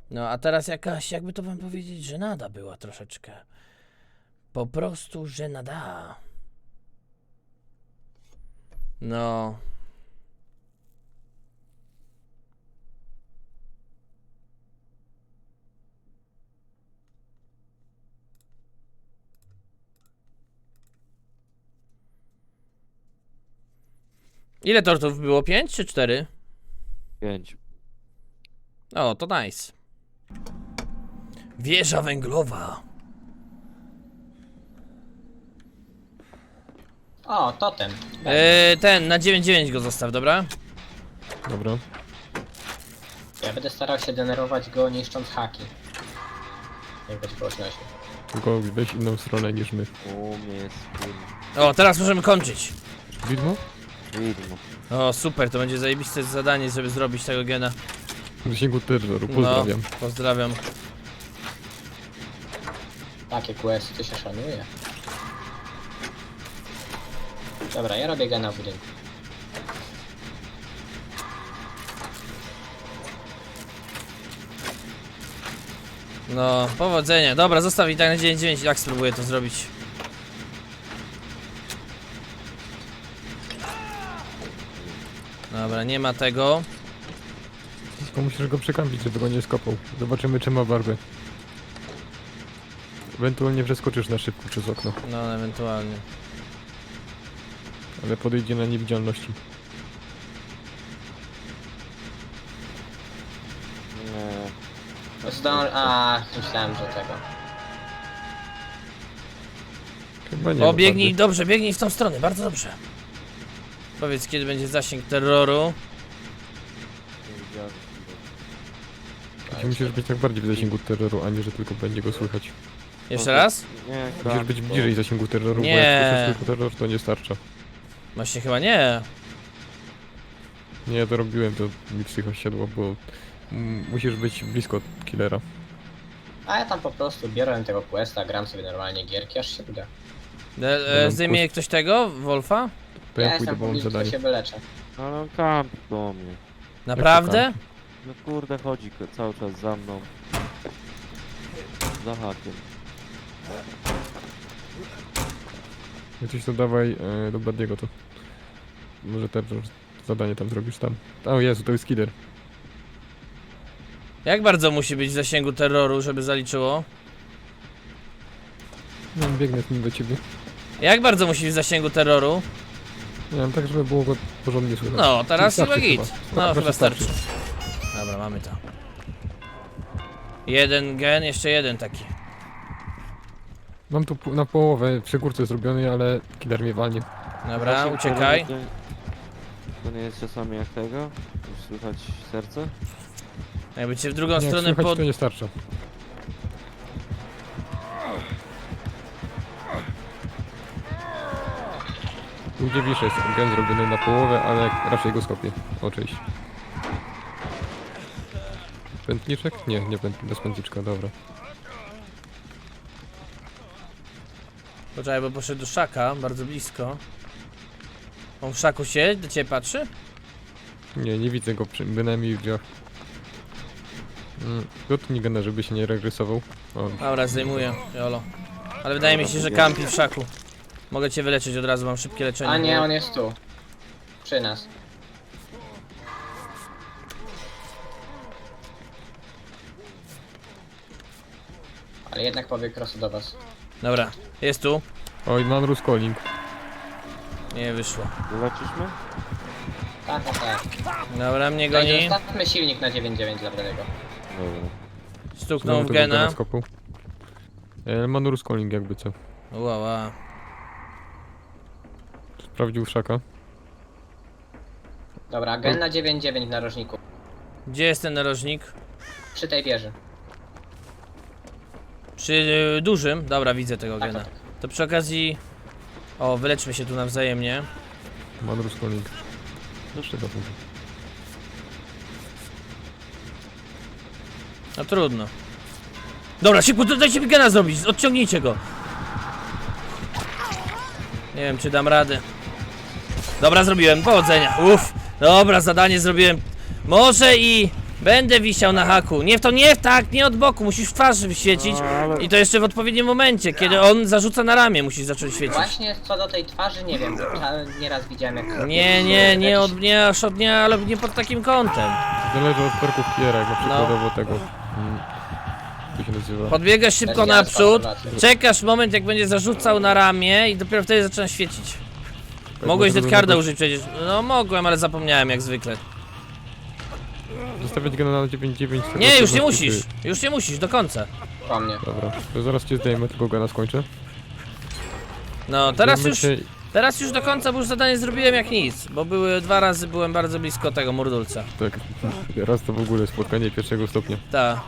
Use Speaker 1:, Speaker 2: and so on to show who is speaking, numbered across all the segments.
Speaker 1: No a teraz jakaś, jakby to wam powiedzieć, żenada była troszeczkę. Po prostu żenada. No. Ile tortów było? 5 czy 4?
Speaker 2: 5.
Speaker 1: O, to nice. Wieża węglowa.
Speaker 3: O, totem.
Speaker 1: Ten, na 9-9 go zostaw, dobra?
Speaker 4: Dobra.
Speaker 3: Ja będę starał się denerwować go niszcząc haki. Jak będzie po 8.
Speaker 4: Tylko weź inną stronę niż my.
Speaker 2: Umie,
Speaker 1: O, teraz możemy kończyć.
Speaker 4: Widmo?
Speaker 2: widmo.
Speaker 1: O, super, to będzie zajebiste zadanie, żeby zrobić tego gena.
Speaker 4: W zasięgu terroru, pozdrawiam.
Speaker 1: No, pozdrawiam.
Speaker 3: Takie questy to się szanuje. Dobra, ja robię gena w budynku.
Speaker 1: No, powodzenia. Dobra, zostaw i tak na 9-9 i tak spróbuję to zrobić. Dobra, nie ma tego.
Speaker 4: Tylko musisz go przekampić, żeby go nie skopał. Zobaczymy, czy ma barwę. Ewentualnie przeskoczysz na szybko przez okno,
Speaker 1: No, ewentualnie.
Speaker 4: ale podejdzie na niewidzialności.
Speaker 2: Nie.
Speaker 3: Myślałem, że tego.
Speaker 4: Chyba nie
Speaker 1: O,
Speaker 4: ma
Speaker 1: biegnij,
Speaker 4: barwy.
Speaker 1: dobrze, biegnij w tą stronę, bardzo dobrze. Powiedz, kiedy będzie zasięg terroru.
Speaker 2: Nie widziałem.
Speaker 4: Musisz być tak bardziej w zasięgu terroru, a nie, że tylko będzie go słychać.
Speaker 1: Jeszcze raz?
Speaker 2: Nie,
Speaker 4: Musisz być bliżej zasięgu terroru,
Speaker 1: Nie.
Speaker 4: bo jak słyszysz tylko terror, to nie starcza.
Speaker 1: Właśnie chyba nie.
Speaker 4: Nie, to robiłem, to mi psycho siadło, bo musisz być blisko killera.
Speaker 3: A ja tam po prostu biorę tego questa, gram sobie normalnie gierki, aż się uda.
Speaker 1: Zdejmie ktoś tego, Wolfa?
Speaker 4: To
Speaker 3: Ja
Speaker 4: ja pójdę,
Speaker 3: jestem
Speaker 4: bo mam
Speaker 3: publiczny, to
Speaker 4: zadanie.
Speaker 3: się wyleczę.
Speaker 2: Ale on kampi do mnie.
Speaker 1: Naprawdę?
Speaker 2: No kurde, chodzi cały czas za mną. Za hakiem.
Speaker 4: Jak coś to dawaj do Bladiego to. Może terror zadanie tam zrobisz tam. O Jezu, to jest killer.
Speaker 1: Jak bardzo musi być w zasięgu terroru, żeby zaliczyło?
Speaker 4: Nie wiem, biegnę z nim do ciebie.
Speaker 1: Jak bardzo musi być w zasięgu terroru?
Speaker 4: Nie wiem, tak żeby było go porządnie słychać.
Speaker 1: No, teraz
Speaker 4: Starczy
Speaker 1: chyba git. No,
Speaker 4: Proszę,
Speaker 1: chyba starczy. Dobra, mamy to. Jeden gen, jeszcze jeden taki.
Speaker 4: Mam tu na połowę przy górce zrobiony, ale killer mnie walnie.
Speaker 1: Dobra,
Speaker 2: Zasięg
Speaker 1: uciekaj.
Speaker 2: terroru To nie jest czasami jak tego? Już słychać serce?
Speaker 1: Jakby cię w drugą
Speaker 4: Jak
Speaker 1: stronę
Speaker 4: słychać,
Speaker 1: pod...
Speaker 4: to nie starcza. Tu gdzie wiszę jest gen zrobiony na połowę, ale raczej go skopię. O, cześć. Pętniczek? Nie, nie bez pętniczka, dobra.
Speaker 1: Poczekaj, bo poszedł do szaka, bardzo blisko. On w szaku się do ciebie patrzy?
Speaker 4: Nie, nie widzę go bynajmniej w drzwiach. Dotknij gena, żeby się nie regresował. O,
Speaker 1: Dobra, zdejmuję, jolo. Ale wydaje mi się, że kampi w szaku. Mogę cię wyleczyć od razu, mam szybkie leczenie.
Speaker 3: A nie, on jest tu. Przy nas. Ale jednak pobiegł prosto do was.
Speaker 1: Dobra, jest tu.
Speaker 4: Oj, mam ruskolling.
Speaker 1: Nie wyszło.
Speaker 2: Wyleczysz mnie?
Speaker 3: Tak, tak, tak.
Speaker 1: Dobra, mnie
Speaker 3: Będzie,
Speaker 1: goni.
Speaker 3: Zostawmy silnik na 9.9 dla Bradego.
Speaker 2: Dobra.
Speaker 1: Stuknął w
Speaker 4: Znowu tego
Speaker 1: gena.
Speaker 4: skopał. Mam ruskolling jakby co.
Speaker 1: Ła.
Speaker 4: Sprawdził szaka.
Speaker 3: Dobra, gen na 9.9 w narożniku.
Speaker 1: Gdzie jest ten narożnik?
Speaker 3: Przy tej wieży.
Speaker 1: Przy dużym? Dobra, widzę tego
Speaker 3: Tak,
Speaker 1: gena.
Speaker 3: tak.
Speaker 1: To przy okazji... O, wyleczmy się tu nawzajemnie.
Speaker 4: Mam ruskolling. Jeszcze go tu.
Speaker 1: No trudno. Dobra, szybko, dajcie mi gena zrobić, odciągnijcie go. Nie wiem, czy dam radę. Dobra, zrobiłem, powodzenia, uff. Dobra, zadanie zrobiłem. Może i Będę wisiał na haku. Nie w to, nie tak, nie od boku. Musisz w twarz wyświecić. I to jeszcze w odpowiednim momencie, kiedy on zarzuca na ramię, musisz zacząć świecić.
Speaker 3: Właśnie co do tej twarzy, nie wiem, nieraz widziałem jak...
Speaker 1: Ale nie pod takim kątem.
Speaker 4: Zależy od perków Kiera, jak na przykładowo tego. Co się nazywa?
Speaker 1: Podbiegasz szybko
Speaker 3: Też ja
Speaker 1: naprzód,
Speaker 3: obserwację.
Speaker 1: czekasz moment, jak będzie zarzucał na ramię i dopiero wtedy zaczyna świecić. Mogłeś
Speaker 4: Może
Speaker 1: Deadcarda
Speaker 4: zrobić-
Speaker 1: użyć przecież. No mogłem, ale zapomniałem jak zwykle.
Speaker 4: Zostawiać gena na 9-9. tego
Speaker 1: Nie, już nie
Speaker 4: pewności,
Speaker 1: musisz.
Speaker 4: czy-
Speaker 1: Już nie musisz, do końca.
Speaker 3: Po mnie.
Speaker 4: Dobra, to zaraz cię zdejmę, tylko gena skończę.
Speaker 1: No, teraz
Speaker 4: Zdejmę
Speaker 1: już,
Speaker 4: cię-
Speaker 1: teraz już do końca, bo już zadanie zrobiłem jak nic. Bo były 2 razy, byłem bardzo blisko tego murdulca.
Speaker 4: Tak, raz to w ogóle spotkanie pierwszego stopnia.
Speaker 1: Tak.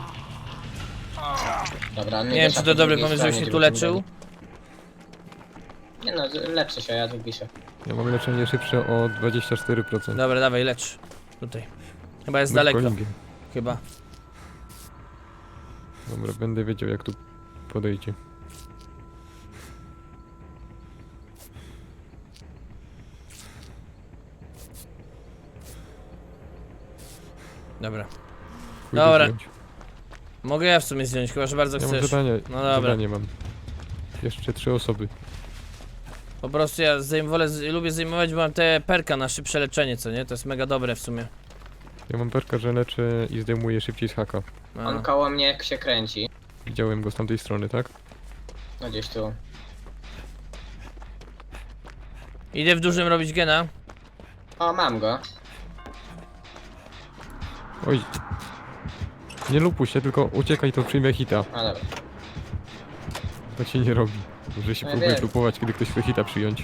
Speaker 3: Dobra,
Speaker 1: Nie wiem, czy to dobry pomysł, żebyś się tu leczył.
Speaker 3: Nie no, leczę się, ja tu piszę.
Speaker 4: Ja mam leczenie szybsze o 24%.
Speaker 1: Dobra, dawaj, lecz. Tutaj. Chyba jest
Speaker 4: Bądź
Speaker 1: daleko.
Speaker 4: kolingiem.
Speaker 1: Chyba.
Speaker 4: Dobra, będę wiedział jak tu podejdzie.
Speaker 1: Dobra.
Speaker 4: Pójdę
Speaker 1: Dobra.
Speaker 4: wziąć.
Speaker 1: Mogę ja w sumie zdjąć, chyba że bardzo
Speaker 4: Ja mam
Speaker 1: chcesz.
Speaker 4: zadanie,
Speaker 1: No dobra.
Speaker 4: zadanie mam. Jeszcze 3 osoby.
Speaker 1: Po prostu ja lubię zajmować, bo mam te perka na szybsze leczenie, co nie? To jest mega dobre w sumie.
Speaker 4: Ja mam perka, że leczę i zdejmuję szybciej z haka.
Speaker 1: No.
Speaker 3: On koło mnie jak się kręci.
Speaker 4: Widziałem go z tamtej strony, tak?
Speaker 3: No gdzieś tu.
Speaker 1: Idę w dużym robić gena.
Speaker 3: O, mam go.
Speaker 4: Oj. Nie lupuj się, tylko uciekaj, to przyjmie hita.
Speaker 3: A dobra.
Speaker 4: Tak się nie robi. Że się
Speaker 3: Ja
Speaker 4: próbuje
Speaker 3: wiem.
Speaker 4: lupować, kiedy ktoś chce hita przyjąć.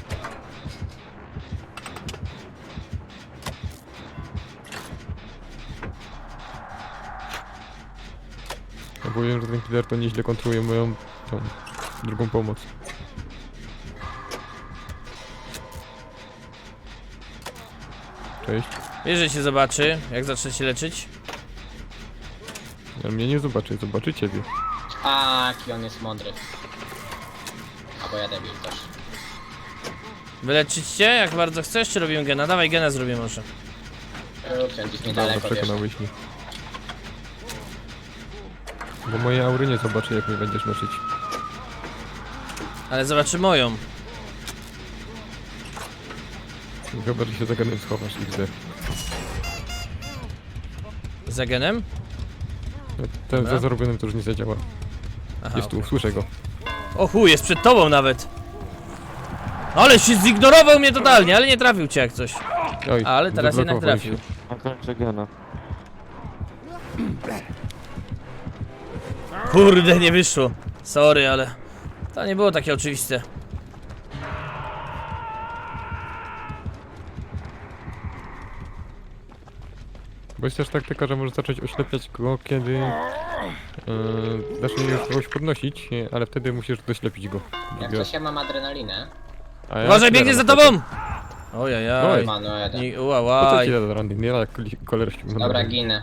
Speaker 4: Ja powiem, że ten killer to nieźle kontroluje moją tą drugą pomoc. Cześć.
Speaker 1: Wiesz, że cię zobaczy, jak zacznę się leczyć.
Speaker 4: Ale mnie nie zobaczy, zobaczy ciebie.
Speaker 3: A, jaki on jest mądry. Albo ja debil też.
Speaker 1: Wyleczyć cię, jak bardzo chcesz, czy robimy gena? Dawaj gena zrobię może.
Speaker 3: Ten gdzieś
Speaker 4: Dobra,
Speaker 3: niedaleko, wiesz.
Speaker 4: przekonałeś mnie. Bo moje aury nie zobaczy, jak mnie będziesz leczyć.
Speaker 1: Ale zobaczy moją.
Speaker 4: Chyba, że się za ganem schowasz XD.
Speaker 1: Za genem?
Speaker 4: Ten
Speaker 1: Dobra.
Speaker 4: za zarobionym to już nie zadziała.
Speaker 1: Aha,
Speaker 4: Jest tu,
Speaker 1: okej.
Speaker 4: słyszę go.
Speaker 1: O chuj, jest przed tobą nawet. Ale się zignorował mnie totalnie, ale nie trafił cię jak coś.
Speaker 4: Oj,
Speaker 1: Ale teraz jednak
Speaker 4: zablokował
Speaker 1: trafił.
Speaker 4: się.
Speaker 2: A kończę gena.
Speaker 1: Kurde, nie wyszło. Sorry, ale to nie było takie oczywiste.
Speaker 4: Bo jest też taktyka, że możesz zacząć oślepiać go, kiedy zacznie już kogoś podnosić, ale wtedy musisz doślepić go.
Speaker 3: Jak coś ja mam adrenalinę.
Speaker 4: A ja
Speaker 1: Uważaj,
Speaker 4: killera
Speaker 1: biegnie za
Speaker 4: napadam.
Speaker 1: tobą! Ojajaj.
Speaker 4: Oj.
Speaker 3: Ma, no jeden.
Speaker 1: Nie,
Speaker 4: Po co
Speaker 1: uałaj.
Speaker 4: ci da randy? Nie jak kolor ściągnął.
Speaker 3: Dobra, ginę.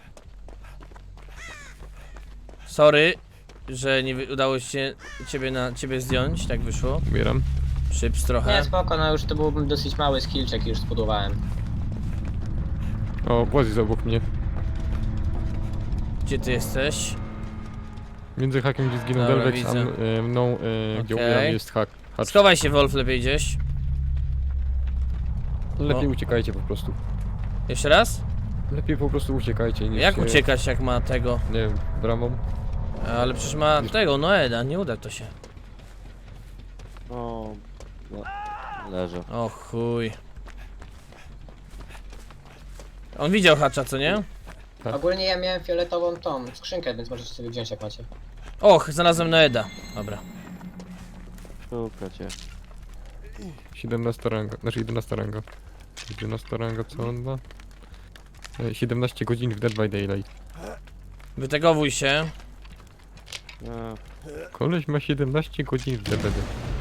Speaker 1: Sorry, że nie udało się ciebie zdjąć, tak wyszło.
Speaker 4: Umieram.
Speaker 1: Przyps
Speaker 3: Nie,
Speaker 1: trochę.
Speaker 3: spoko, no już to był dosyć mały skillczek i już zbudowałem.
Speaker 4: O, Błazi jest obok mnie.
Speaker 1: Gdzie ty jesteś?
Speaker 4: Między hakiem, gdzie zginął
Speaker 1: Dobra,
Speaker 4: Delvex, a
Speaker 1: widzę.
Speaker 4: mną, gdzie
Speaker 1: Okej.
Speaker 4: umieram, jest hak. Hacz.
Speaker 1: Schowaj się, Wolf, lepiej gdzieś.
Speaker 4: Lepiej
Speaker 1: O.
Speaker 4: uciekajcie po prostu.
Speaker 1: Jeszcze raz?
Speaker 4: Lepiej po prostu uciekajcie niż
Speaker 1: Jak
Speaker 4: się,
Speaker 1: uciekać, jak ma tego?
Speaker 4: Nie wiem, bramą.
Speaker 1: Ale przecież ma tego, Noeda, nie uda to się.
Speaker 2: No... Leżę.
Speaker 1: O chuj. On widział hacza, co nie?
Speaker 4: Tak.
Speaker 3: Ogólnie ja miałem fioletową tą skrzynkę, więc możecie sobie wziąć jak macie.
Speaker 1: Och, znalazłem Noeda. Dobra.
Speaker 2: Szuka cię.
Speaker 4: 17 ranga, znaczy 11 ranga. 11 ranga, co on ma? 17 godzin w Dead by Daylight.
Speaker 1: Wytegowuj się.
Speaker 2: Nie.
Speaker 4: Koleś ma 17 godzin w DBD.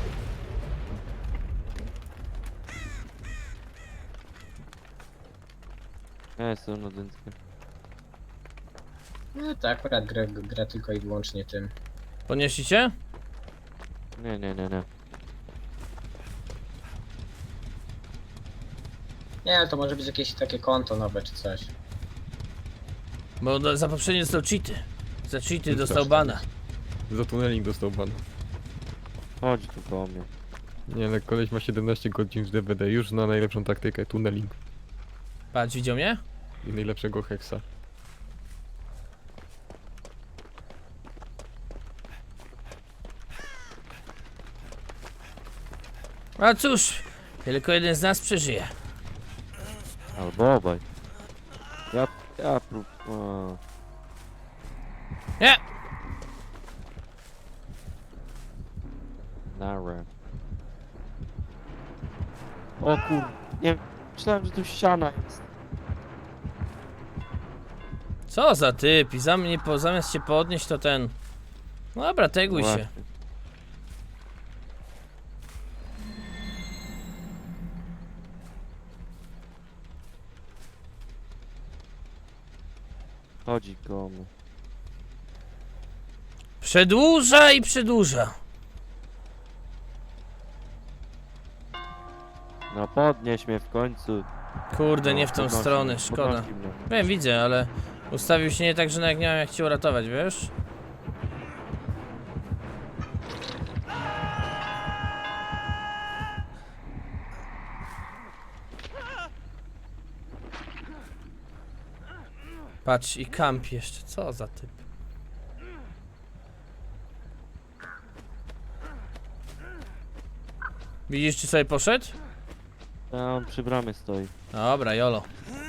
Speaker 2: Ja jestem na dętkę.
Speaker 3: No to akurat gra tylko i wyłącznie tym.
Speaker 1: Podnieśli cię?
Speaker 2: Nie, nie, nie, nie.
Speaker 3: Nie, ale to może być jakieś takie konto nowe czy coś.
Speaker 1: Bo za poprzednie dostał cheaty. Za cheaty dostał
Speaker 4: Strasznie.
Speaker 1: bana.
Speaker 4: Za tunneling dostał ban.
Speaker 2: Chodź tu koło mnie.
Speaker 4: Nie, ale koleś ma 17 godzin z DVD, już zna najlepszą taktykę, tunneling.
Speaker 1: Patrz, widział mnie?
Speaker 4: I najlepszego heksa.
Speaker 1: A cóż, tylko jeden z nas przeżyje.
Speaker 2: Albo obaj. Ja prób... O.
Speaker 1: Nie!
Speaker 2: Nara. O kur... Nie, myślałem, że tu ściana jest.
Speaker 1: Co za typ i zamiast się podnieść to ten... No dobra, teguj się.
Speaker 2: Właśnie. Chodzi koło mnie.
Speaker 1: Przedłuża i przedłuża.
Speaker 2: No podnieś mnie w końcu.
Speaker 1: Kurde,
Speaker 2: No,
Speaker 1: nie w tą
Speaker 2: podnosi
Speaker 1: stronę,
Speaker 2: mnie,
Speaker 1: szkoda.
Speaker 2: podnosi mnie.
Speaker 1: Wiem, widzę, ale ustawił się nie tak, że nawet nie miałem jak cię uratować, wiesz? Patrz, i kamp jeszcze, co za typ. Widzisz, czy sobie poszedł?
Speaker 2: A on przy bramie stoi.
Speaker 1: Dobra, jolo.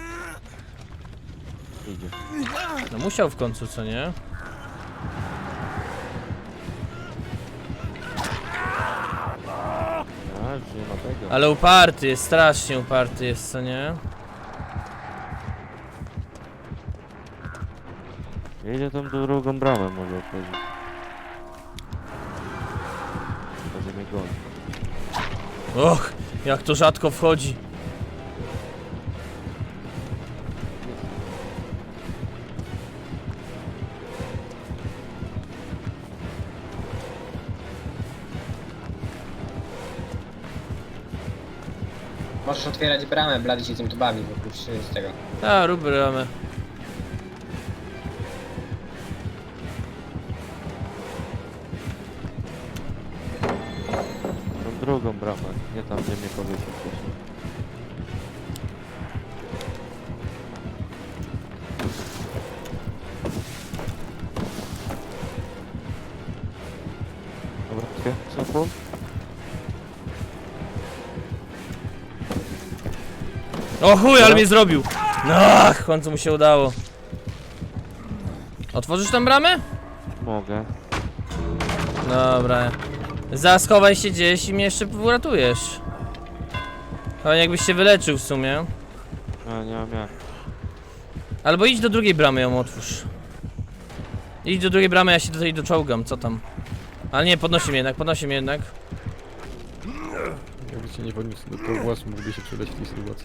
Speaker 2: Idzie.
Speaker 1: No musiał w końcu, co nie?
Speaker 2: A, już nie ma tego.
Speaker 1: Ale uparty jest, strasznie uparty jest, co nie?
Speaker 2: Jedzie tą drugą bramę może otworzyć. Może mnie goni.
Speaker 1: Och, jak to rzadko wchodzi.
Speaker 3: Możesz otwierać bramę, Blady się tym tu bawi, bo już z tego.
Speaker 1: A, rób bramę.
Speaker 2: Tą drugą bramę, nie tam gdzie mnie powiesił wcześniej. Dobra, co po?
Speaker 1: O chuj, ale mnie zrobił! Ach, w końcu mu się udało. Otworzysz tam bramę?
Speaker 2: Mogę.
Speaker 1: Dobra. Schowaj się gdzieś i mnie jeszcze uratujesz. Ale jakbyś się wyleczył w sumie.
Speaker 2: A, nie mam jak.
Speaker 1: Albo idź do drugiej bramy, ją otwórz. Idź do drugiej bramy, ja się do tej doczołgam, co tam? Ale nie, podnosi mnie jednak.
Speaker 4: Jakby cię nie podniósł do tego głosu, mógłby się przydać w tej sytuacji.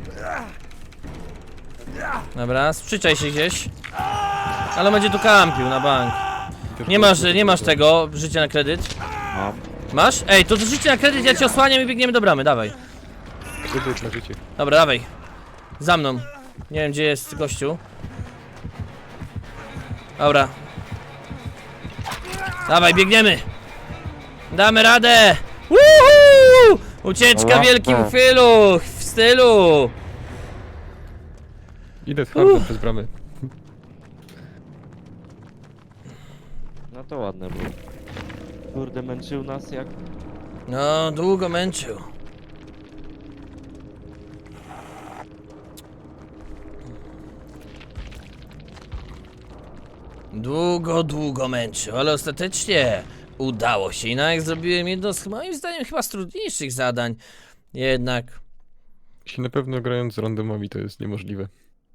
Speaker 1: Dobra, sprzyczaj się gdzieś. Ale będzie tu kampił na bank.
Speaker 4: Też
Speaker 1: Nie masz tego, życia na kredyt.
Speaker 2: Mam.
Speaker 1: Masz? Ej, to życie na kredyt, ja cię osłaniam i biegniemy do bramy, dawaj.
Speaker 4: Kredyt na życie.
Speaker 1: Dobra, dawaj. Za mną. Nie wiem, gdzie jest gościu. Dobra. Dawaj, biegniemy. Damy radę. Woohoo! Ucieczka w wielkim chwilu, w stylu.
Speaker 4: Idę twardo przez bramę.
Speaker 2: No to ładne było. Kurde, męczył nas jak...
Speaker 1: No, długo męczył. Długo męczył, ale ostatecznie udało się. I jak zrobiłem jedno z moim zdaniem chyba z trudniejszych zadań. Jednak.
Speaker 4: Jeśli na pewno grając z randomami to jest niemożliwe.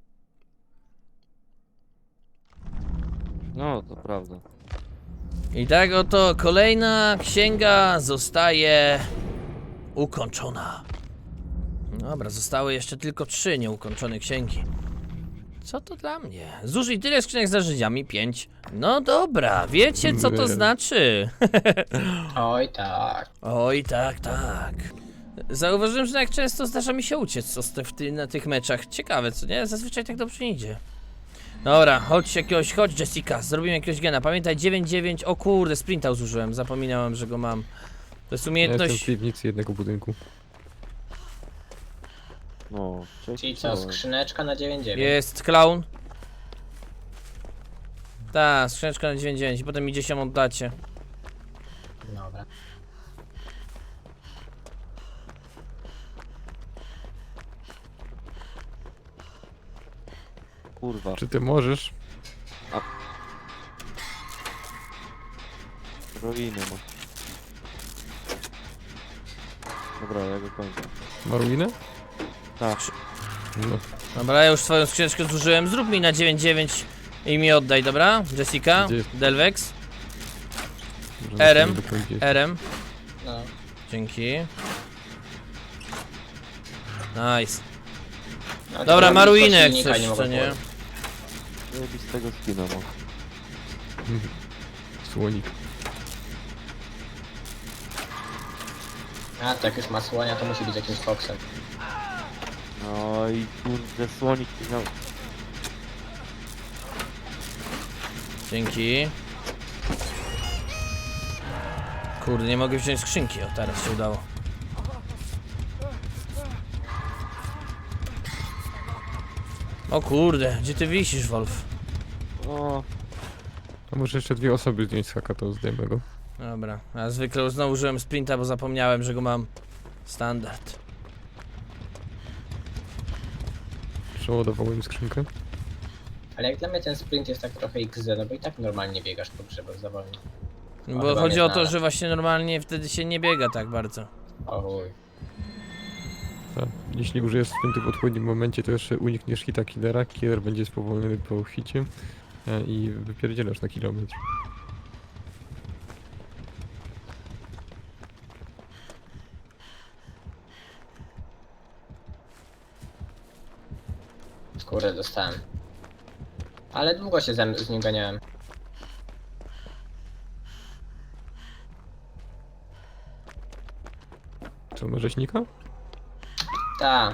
Speaker 2: No, to prawda.
Speaker 1: I tak oto kolejna księga zostaje ukończona. Dobra, zostały jeszcze tylko 3 nieukończone księgi. Co to dla mnie? Zużyj tyle skrzynek z narzędziami, 5. No dobra, wiecie co to
Speaker 4: Nie.
Speaker 1: znaczy?
Speaker 3: Oj tak.
Speaker 1: Oj, tak, tak. Zauważyłem, że jak często zdarza mi się uciec na tych meczach. Ciekawe, co nie? Zazwyczaj tak dobrze nie idzie. Dobra, chodź Jessica, zrobimy jakiegoś gena. Pamiętaj 9-9, o kurde, sprinta zużyłem, zapominałem, że go mam. To jest
Speaker 4: Ja jestem w
Speaker 1: umiejętność...
Speaker 4: piwnicy jednego budynku.
Speaker 2: No, cześć.
Speaker 3: Czyli co, skrzyneczka na 9-9.
Speaker 1: Jest clown. Tak, skrzyneczka na 9-9 i potem idzie się oddacie.
Speaker 3: Dobra.
Speaker 2: Kurwa.
Speaker 4: Czy ty możesz?
Speaker 2: Ruiny ma. Dobra, ja go kończę.
Speaker 4: Ma ruinę?
Speaker 2: Tak.
Speaker 4: No.
Speaker 1: Dobra, ja już swoją skrzyneczkę zużyłem, zrób mi na 9-9 i mi oddaj, dobra? Jessica,
Speaker 4: Gdzie jest?
Speaker 1: Delvex,
Speaker 4: Może
Speaker 1: RM.
Speaker 4: musimy dokończyć.
Speaker 1: RM,
Speaker 3: No.
Speaker 1: dzięki. Nice.
Speaker 3: No,
Speaker 1: Dobra,
Speaker 3: to
Speaker 1: ma
Speaker 3: tylko
Speaker 1: ruinę jak
Speaker 3: silnika
Speaker 1: coś, co
Speaker 3: mogę
Speaker 1: nie?
Speaker 3: położyć.
Speaker 2: Zajebistego skina ma.
Speaker 4: Słonik.
Speaker 3: A, tak już ma słonia, to musi być jakimś foksem.
Speaker 2: No i kurde, słonik miał...
Speaker 1: Dzięki. Kurde, nie mogę wziąć skrzynki, o teraz się udało. O kurde, gdzie ty wisisz, Wolf?
Speaker 2: O,
Speaker 4: A może jeszcze 2 osoby zdjąć z haka, to zdejmę go.
Speaker 1: Dobra, a zwykle znowu użyłem sprinta, bo zapomniałem, że go mam. Standard.
Speaker 4: Przeładowałem skrzynkę.
Speaker 3: Ale jak dla mnie ten sprint jest tak trochę XZ, no bo i tak normalnie biegasz po grzebach za wolno.
Speaker 1: Bo
Speaker 3: chyba
Speaker 1: chodzi
Speaker 3: mnie
Speaker 1: o to,
Speaker 3: znalazł.
Speaker 1: że właśnie normalnie wtedy się nie biega tak bardzo.
Speaker 3: O chuj.
Speaker 4: Tak. Jeśli użyjesz sprintu w odpowiednim momencie, to jeszcze unikniesz hita killera. Killer będzie spowolniony po hicie i wypierdzielasz na kilometr.
Speaker 3: Kurde, dostałem. Ale długo się z nim ganiałem.
Speaker 4: Co, ma rzeźnika?
Speaker 3: Ta.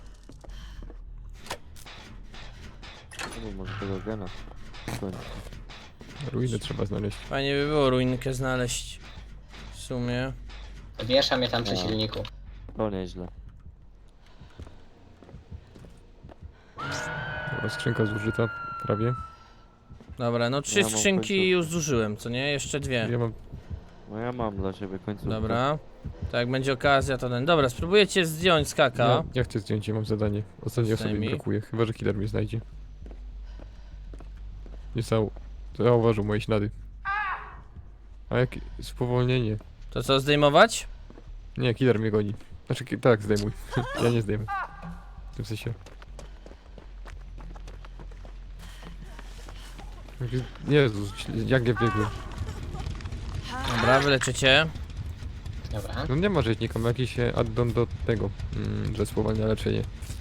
Speaker 2: no może tego gena. Kończę.
Speaker 4: Ruiny trzeba znaleźć.
Speaker 1: Fajnie by było ruinkę znaleźć. W sumie.
Speaker 3: Wiesza mnie tam przy
Speaker 2: No.
Speaker 3: silniku.
Speaker 2: To nieźle.
Speaker 4: Dobra, skrzynka zużyta prawie.
Speaker 1: Dobra, no 3
Speaker 2: Ja mam
Speaker 1: skrzynki
Speaker 2: końcówkę.
Speaker 1: już zużyłem, co nie? Jeszcze 2.
Speaker 4: Ja mam...
Speaker 2: No ja mam dla ciebie końcówkę.
Speaker 1: Dobra. Tak, jak będzie okazja, to ten. Dobra, spróbujecie zdjąć skaka.
Speaker 4: Ja chcę zdjąć, ja mam zadanie. Ostatniej osoby mi
Speaker 1: Zdejmij.
Speaker 4: brakuje, chyba że killer mnie znajdzie. Nie zauważył moje ślady. A jak spowolnienie?
Speaker 1: To co, zdejmować?
Speaker 4: Nie, killer mnie goni. Znaczy, tak, zdejmuj. Ja nie zdejmę. W tym sensie. Jezus, jak ja biegłem.
Speaker 1: Dobra, wyleczycie.
Speaker 3: Dobra.
Speaker 4: No nie ma rzeźnika, ma jakiś addon do tego, że spowalnia leczenie.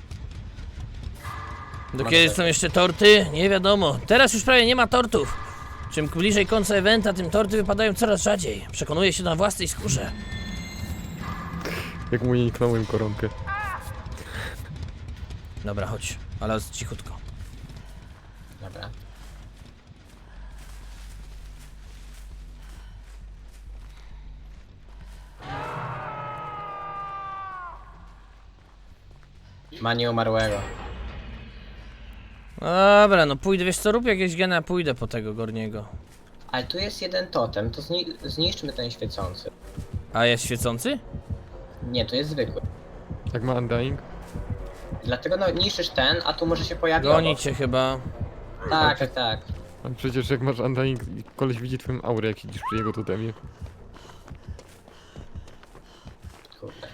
Speaker 1: Do
Speaker 3: Masz
Speaker 1: kiedy
Speaker 3: tak.
Speaker 1: są jeszcze torty? Nie wiadomo. Teraz już prawie nie ma tortów. Czym bliżej końca eventa, tym torty wypadają coraz rzadziej. Przekonuję się na własnej skórze.
Speaker 4: Jak mu nie niknąłem koronkę.
Speaker 1: Dobra, chodź. Ale cichutko.
Speaker 3: Dobra. Ma nieumarłego.
Speaker 1: Dobra, no pójdę, wiesz co, rób jakieś gena, pójdę po tego Gorniego.
Speaker 3: Ale tu jest jeden totem, to zniszczmy ten świecący.
Speaker 1: A jest świecący?
Speaker 3: Nie, to jest zwykły.
Speaker 4: Jak ma undying?
Speaker 3: Dlatego no niszczysz ten, a tu może się pojawić.
Speaker 1: Goni cię chyba.
Speaker 3: Tak, tak, tak.
Speaker 4: A przecież jak masz undying, koleś widzi twoją aurę, jak siedzisz przy jego totemie.
Speaker 3: Kurde.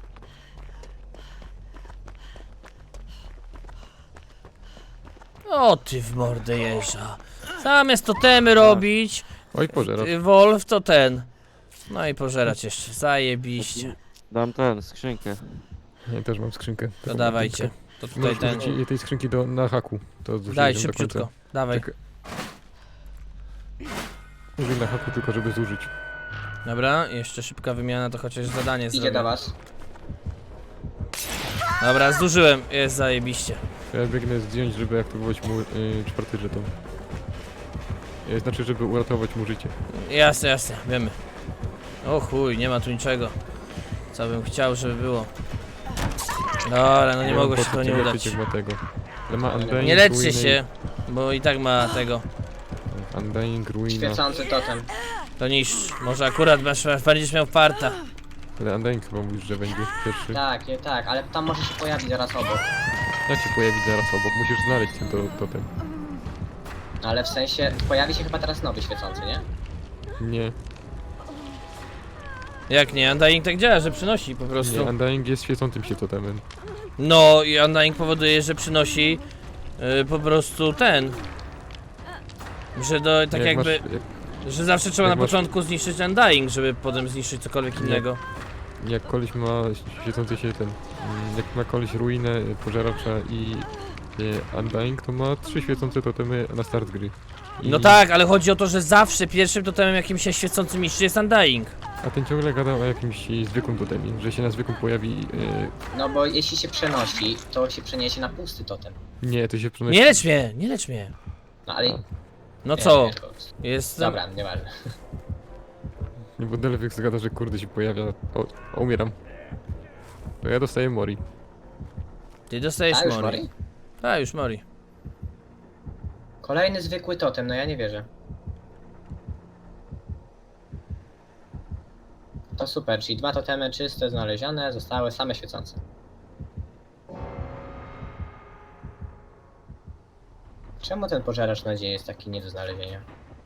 Speaker 1: O ty w mordę jeża. Zamiast totemy robić,
Speaker 4: Oj, pożerasz.
Speaker 1: Wolf to ten. No i pożerać jeszcze, zajebiście.
Speaker 2: Dam ten, skrzynkę.
Speaker 4: Ja też mam skrzynkę.
Speaker 1: To
Speaker 4: Taką
Speaker 1: dawajcie.
Speaker 4: piątkę.
Speaker 1: To tutaj
Speaker 4: Możesz
Speaker 1: ten.
Speaker 4: użyć tej skrzynki na haku. To zużyję
Speaker 1: Daj
Speaker 4: ją do
Speaker 1: szybciutko.
Speaker 4: końca.
Speaker 1: Dawaj.
Speaker 4: Tak. Użyj na haku tylko, żeby zużyć.
Speaker 1: Dobra, jeszcze szybka wymiana, to chociaż zadanie
Speaker 3: Idzie
Speaker 1: zrobię.
Speaker 3: do was.
Speaker 1: Dobra, zużyłem. Jest zajebiście.
Speaker 4: Ja biegnę zdjąć, żeby aktywować mu czwarty żeton. Znaczy, żeby uratować mu życie.
Speaker 1: Jasne, jasne, wiemy. O chuj, nie ma tu niczego. Co bym chciał, żeby było. Dobra, no nie mogło się to nie udać.
Speaker 4: Ma tego. Ale ma Undying,
Speaker 1: Nie leczcie
Speaker 4: Ruinę
Speaker 1: się, bo i tak ma tego.
Speaker 4: i- Undying, Ruina.
Speaker 3: Świecący totem.
Speaker 1: To niszcz. Może akurat będziesz miał farta.
Speaker 4: Ale Undying chyba mówisz, że będzie pierwszy.
Speaker 3: Tak, tak, ale tam może się pojawić zaraz obok.
Speaker 4: Jak się pojawi zaraz obok? Musisz znaleźć ten totem.
Speaker 3: No ale w sensie, pojawi się chyba teraz nowy świecący, nie?
Speaker 4: Nie,
Speaker 1: Jak nie? Undying tak działa, że przynosi po
Speaker 4: nie,
Speaker 1: prostu.
Speaker 4: Undying jest świecącym się totemem.
Speaker 1: No i Undying powoduje, że przynosi po prostu ten. Że tak
Speaker 4: Jak
Speaker 1: jakby. Że zawsze trzeba
Speaker 4: jak
Speaker 1: na
Speaker 4: masz-
Speaker 1: początku zniszczyć Undying, żeby potem zniszczyć cokolwiek
Speaker 4: Nie.
Speaker 1: innego.
Speaker 4: Jak koleś ma świecący się jak ma koleś ruinę, pożeracza i Undying, to ma 3 świecące totemy na start gry.
Speaker 1: No tak, ale chodzi o to, że zawsze pierwszym totemem jakimś się świecącym niszczy jest Undying.
Speaker 4: A ten ciągle gada o jakimś zwykłym totemie, że się na zwykłym pojawi...
Speaker 3: No bo jeśli się przenosi, to się przeniesie na pusty totem.
Speaker 4: nie, to się przenosi...
Speaker 1: Nie lecz mnie, nie lecz mnie.
Speaker 3: No ale...
Speaker 1: No
Speaker 3: nie,
Speaker 1: co?
Speaker 3: nie, to-
Speaker 1: Jest.
Speaker 3: Dobra, nieważne.
Speaker 4: Nie, bo Delvex gada, że kurde się pojawia... O, umieram. To ja dostaję Mori.
Speaker 1: Ty dostajesz
Speaker 3: A już
Speaker 1: Mori.
Speaker 3: Mori?
Speaker 1: A już Mori.
Speaker 3: Kolejny zwykły totem, no ja nie wierzę. To super, czyli 2 totemy czyste znalezione, zostały same świecące. Czemu ten pożeracz nadziei jest taki nie do znalezienia?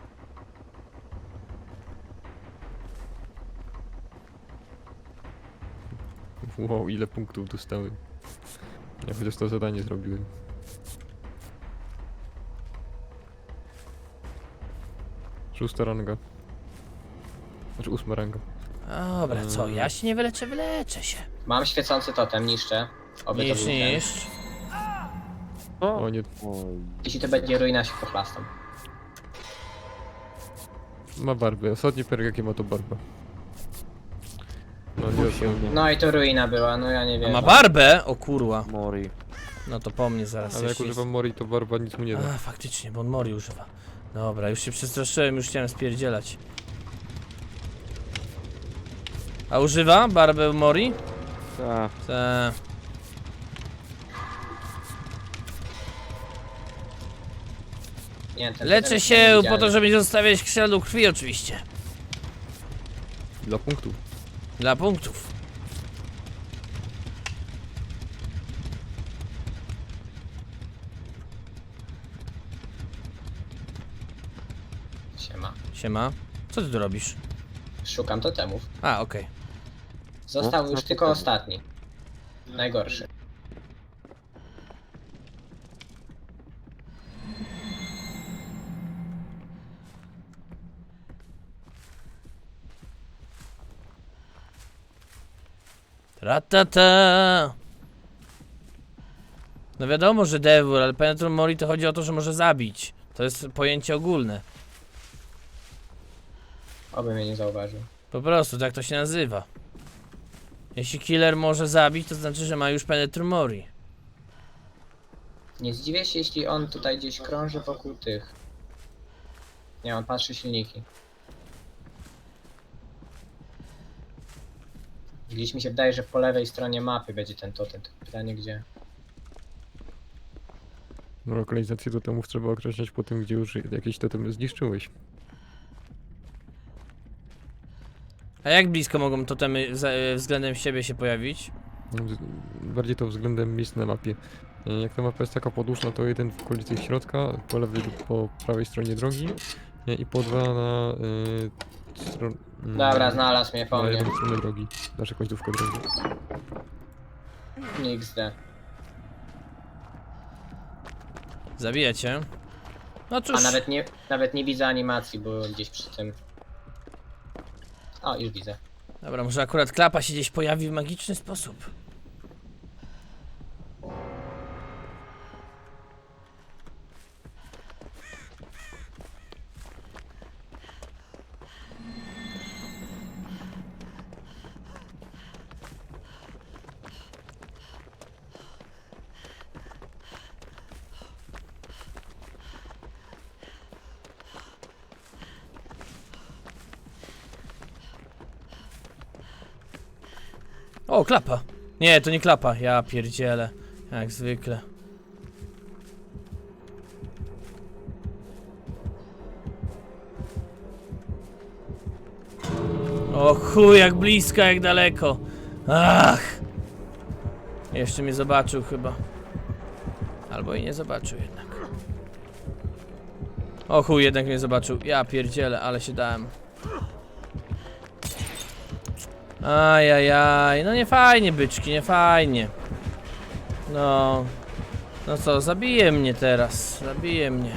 Speaker 4: Wow, ile punktów dostałem. Ja chociaż to zadanie zrobiłem. Szósta ranga. Znaczy 8 ranga.
Speaker 1: Dobra, co? Ja się nie wyleczę, wyleczę się.
Speaker 3: Mam świecący totem, niszczę. Oby to
Speaker 1: Niszcz,
Speaker 3: był ten.
Speaker 1: niszcz.
Speaker 4: O nie,
Speaker 3: Jeśli to będzie ruina, się pochlastam.
Speaker 4: ma barbę. Ostatni perk jaki ma to barba. No nie odpełnia.
Speaker 3: No i to ruina była, no ja nie
Speaker 1: A
Speaker 3: wiem.
Speaker 1: ma barbę? O kurwa.
Speaker 2: Mori.
Speaker 1: No to po mnie zaraz
Speaker 4: Ale jak
Speaker 1: jeszcze
Speaker 4: używam Mori, to barba nic mu nie da.
Speaker 1: A, faktycznie, bo on Mori używa. Dobra, już się przestraszyłem, już chciałem spierdzielać. A używa barbę Mori?
Speaker 2: Ta.
Speaker 1: Ta.
Speaker 3: Nie, ten
Speaker 1: Leczę
Speaker 3: totem
Speaker 1: się
Speaker 3: jest
Speaker 1: po
Speaker 3: niewidzialny.
Speaker 1: to, żeby nie zostawiać śladu krwi oczywiście.
Speaker 4: Dla punktów.
Speaker 1: Dla punktów.
Speaker 3: Siema.
Speaker 1: Siema. Co ty tu robisz?
Speaker 3: Szukam totemów.
Speaker 1: A, okej.
Speaker 3: Został
Speaker 2: No,
Speaker 3: już
Speaker 2: no
Speaker 3: tylko
Speaker 2: totemy.
Speaker 3: ostatni. Najgorszy.
Speaker 1: Ratata. No wiadomo, że Devil, ale Penetrum Mori to chodzi o to, że może zabić. To jest pojęcie ogólne.
Speaker 3: Oby mnie nie zauważył.
Speaker 1: Po prostu, tak to się nazywa. Jeśli killer może zabić, to znaczy, że ma już Penetrum Mori.
Speaker 3: Nie zdziwię się, jeśli on tutaj gdzieś krąży wokół tych. Nie, on patrzy silniki. Gdzieś mi się wydaje, że po lewej stronie mapy będzie ten totem. Tylko pytanie gdzie.
Speaker 4: No, lokalizację totemów trzeba określać po tym, gdzie już jakieś totemy zniszczyłeś.
Speaker 1: A jak blisko mogą totemy względem siebie się pojawić?
Speaker 4: Bardziej to względem miejsc na mapie. Jak ta mapa jest taka podłużna, to jeden w okolicy środka, po lewej lub po prawej stronie drogi i po dwa na
Speaker 3: Dobra, znalazł mnie po
Speaker 4: na
Speaker 3: mnie.
Speaker 4: jedną stronę drogi. Nasza końcówka drogi.
Speaker 3: XD.
Speaker 1: Zabijacie? No cóż.
Speaker 3: A nawet nie widzę animacji, bo gdzieś przy tym. O, już widzę.
Speaker 1: Dobra, może akurat klapa się gdzieś pojawi w magiczny sposób. O, klapa. Nie, to nie klapa. Ja pierdzielę. Jak zwykle. O chuj, jak blisko, jak daleko. Ach. Jeszcze mnie zobaczył chyba. Albo i nie zobaczył jednak. O chuj, jednak mnie zobaczył. Ja pierdzielę, ale się dałem. Ajajaj, no nie fajnie, byczki, nie fajnie. No. No co, zabije mnie teraz. Zabije mnie.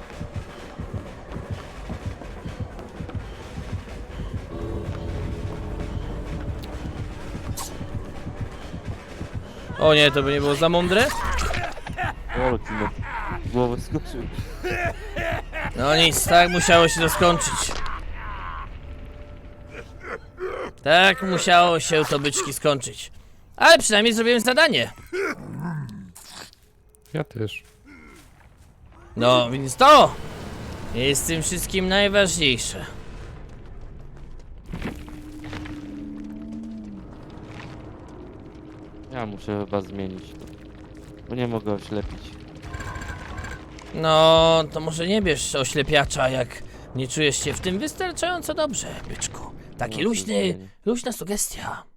Speaker 1: O nie, to by nie było za mądre?
Speaker 2: O, ty na głowę skoczył.
Speaker 1: No nic, tak musiało się to skończyć. Tak musiało się to byczki skończyć. Ale przynajmniej zrobiłem zadanie.
Speaker 4: Ja też.
Speaker 1: No, więc to jest w tym wszystkim najważniejsze.
Speaker 2: Ja muszę chyba zmienić to. Bo nie mogę oślepić.
Speaker 1: No, to może nie bierz oślepiacza, jak nie czujesz się w tym wystarczająco dobrze, byczku. Taki
Speaker 2: No,
Speaker 1: luźny,
Speaker 2: zupełnie.
Speaker 1: luźna sugestia.